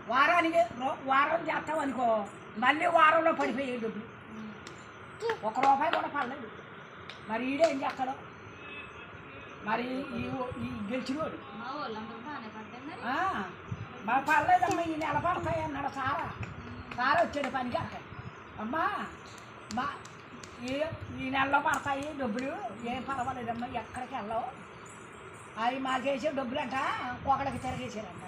వారానికి వారం చేస్తాం అనుకో, మళ్ళీ వారంలో పడిపోయాయి డబ్బులు. ₹1 కూడా పడలేదు. మరి ఈడేం చేస్తాడు మరి? ఈ గెలిచినోడు మా పడలేదమ్మా, ఈ నెల పడతాయి అన్నాడు. సారా వచ్చాడు పనికి. అక్కడ అమ్మా ఈ నెలలో పడతాయి డబ్బులు, ఏం పర్వాలేదమ్మా, ఎక్కడికి వెళ్ళవు, అవి మాకేసే డబ్బులు అంట ఒకడికి తిరగేసారంట.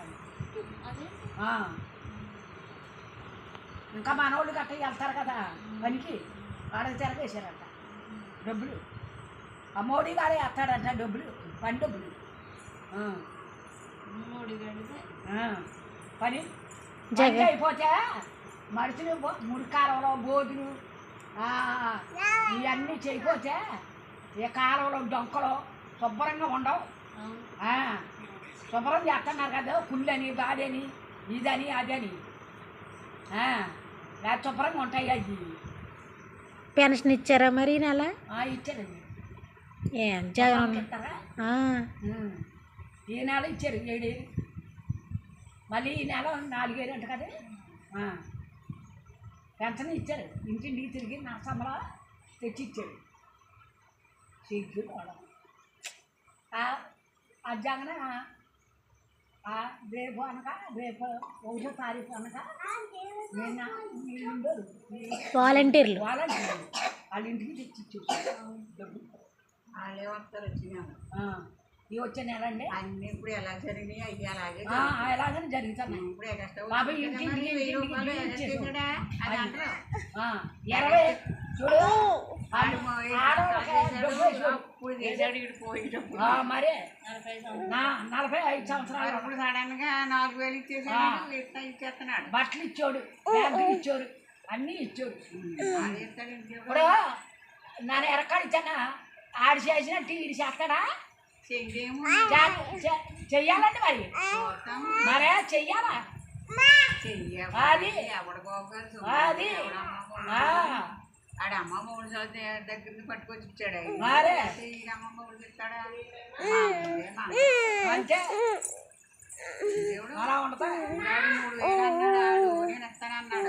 ఇంకా మనోళ్ళు గట్ట వెళ్తారు కదా పనికి, వాళ్ళకి తిరగేసారంట డబ్బులు. ఆ మోడీ గారే వేస్తాడంట డబ్బులు, పని డబ్బులు. పని అయిపోతే మనుషులు మురికాలంలో బోధులు ఇవన్నీ చేయకపోతే ఈ కాలంలో డొంకలు శుభ్రంగా ఉండవు. శుభ్రం చేస్తున్నారు కదా, కుళ్ళని బాడని ఇదని అదని శుభ్రంగా ఉంటాయి. అది పెన్షన్ ఇచ్చారా మరి నెల? ఇచ్చారండి. జగన్ ఇస్తారా? ఈ నెల ఇచ్చారు 7,000, మళ్ళీ ఈ నెల 4,000 అంట కదా. పెన్షన్ ఇచ్చారు, ఇంటింటికి తిరిగి నా సంబళ తెచ్చి ఇచ్చారు. సిగ్గు ఆ జగన్ రేపు అనగా రేపు 1వ తారీఖు అనగా ఉండరు వాలంటీర్లు వాళ్ళ ఇంటికి తెచ్చి ఇచ్చారు డబ్బు. వాళ్ళే వస్తారు వచ్చినా ఈ వచ్చే నెల అండి అన్నీ ఇప్పుడు ఎలా జరిగినాయి అవి అలాగే ఎలాగని జరుగుతున్నాయి. ఇప్పుడు ఎగస్ట్రా బాబు ఇంటికి 1000 రూపాయలు అది అంటారు. 20 చూడు మరి 45 సంవత్సరాలు అప్పుడు సడన్ గా 4,000 ఇచ్చేసాడు, ఇచ్చేస్తున్నాడు. బట్టలు ఇచ్చాడు, బ్యాంకులు ఇచ్చారు, అన్నీ ఇచ్చారు. ఇప్పుడు నన్ను ఎరకాడు ఇచ్చానా, ఆడు చేసినట్టు ఈడు చేస్తాడా? చెయ్యాలండి మరి, మరే చెయ్యాలా? అది అది ఆడ అమ్మ 3 సంవత్సరాల దగ్గర పట్టుకొచ్చి ఇచ్చాడు. అమ్మమ్మ ఊళ్ళు ఇస్తాడా అంటే అలా ఉంటుంది. 3,000 అన్నాడు, నేను ఇస్తానన్నాడు.